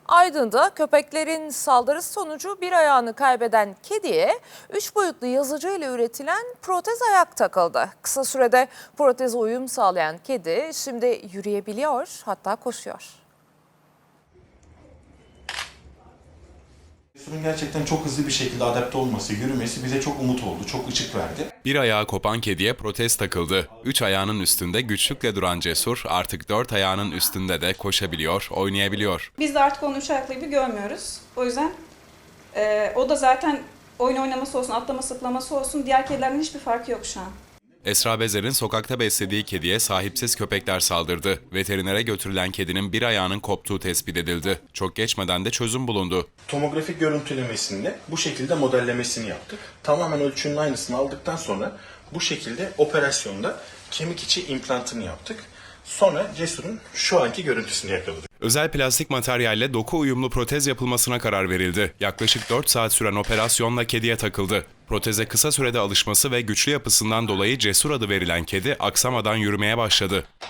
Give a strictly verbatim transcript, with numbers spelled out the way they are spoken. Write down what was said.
Aydın'da köpeklerin saldırısı sonucu bir ayağını kaybeden kediye üç boyutlu yazıcıyla üretilen protez ayak takıldı. Kısa sürede proteze uyum sağlayan kedi şimdi yürüyebiliyor, hatta koşuyor. Cesur'un gerçekten çok hızlı bir şekilde adapte olması, yürümesi bize çok umut oldu, çok ışık verdi. Bir ayağı kopan kediye protez takıldı. Üç ayağının üstünde güçlükle duran Cesur artık dört ayağının üstünde de koşabiliyor, oynayabiliyor. Biz de artık onu üç ayaklı gibi görmüyoruz. O yüzden e, o da zaten oyun oynaması olsun, atlama sıklaması olsun diğer kedilerden hiçbir farkı yok şu an. Esra Bezer'in sokakta beslediği kediye sahipsiz köpekler saldırdı. Veterinere götürülen kedinin bir ayağının koptuğu tespit edildi. Çok geçmeden de çözüm bulundu. Tomografik görüntülemesinde bu şekilde modellemesini yaptık. Tamamen ölçünün aynısını aldıktan sonra bu şekilde operasyonda kemik içi implantını yaptık. Sonra Cesur'un şu anki görüntüsünü yakaladık. Özel plastik materyalle doku uyumlu protez yapılmasına karar verildi. Yaklaşık dört saat süren operasyonla kediye takıldı. Proteze kısa sürede alışması ve güçlü yapısından dolayı Cesur adı verilen kedi aksamadan yürümeye başladı.